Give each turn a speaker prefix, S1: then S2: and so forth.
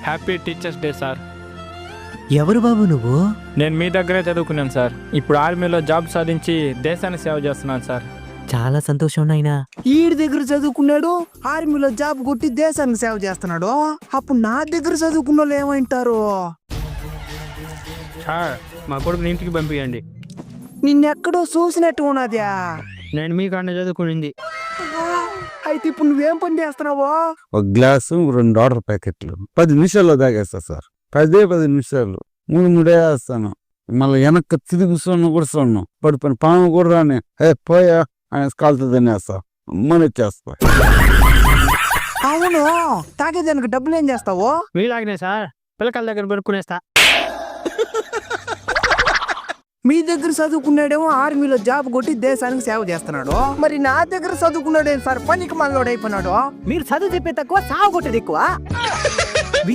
S1: Happy teachers day sir.
S2: ఎవరు బాబు నువ్వు?
S1: నేను మీ దగ్గరే చదువుకున్నాను సార్. ఇప్పుడు ఆర్మీలో జాబ్ సాధించి దేశానికి సేవ చేస్తున్నాను సార్.
S2: చాలా సంతోషం నాయనా.
S3: ఈడి దగ్గర చదువుకున్నాడు, ఆర్మీలో జాబ్ కొట్టి దేశానికి సేవ చేస్తున్నాడు. అప్పుడు నా దగ్గర చదువుకున్న వాళ్ళు ఏమంటారు?
S1: సార్ మా కొడుకుని ఇంటికి పంపించండి.
S3: నిన్నెక్కడో చూసినట్టు ఉన్నదా?
S1: నేను మీకన్నా చదువుకునింది.
S3: అయితే ఇప్పుడు నువ్వేం పని చేస్తున్నావో?
S4: ఒక గ్లాసు 2 వాటర్ ప్యాకెట్లు 10 నిమిషాల్లో తాగేస్తా సార్. 10 నిమిషాలు 3 వేస్తాను. మళ్ళీ వెనక్కి తిరిగి కూడా చూడను. పడిపోయిన పాము కూడా రాని పోయా ఆయన కాలుతో తినేస్తా, మనొచ్చేస్తా.
S3: అవును, తాగేదానికి డబ్బులు ఏం చేస్తావు?
S1: మీలాగనే సార్, పిల్లకాయల దగ్గర పెరుక్కునేస్తా.
S3: మీ దగ్గర చదువుకున్నాడేమో ఆర్మీలో జాబ్ కొట్టి దేశానికి సేవ చేస్తున్నాడు. మరి నా దగ్గర చదువుకున్నాడేం సార్, పనికి మనలోడు అయిపోయినాడు.
S2: మీరు చదువు చెప్పే తక్కువ, సాగు కొట్టేది ఎక్కువ.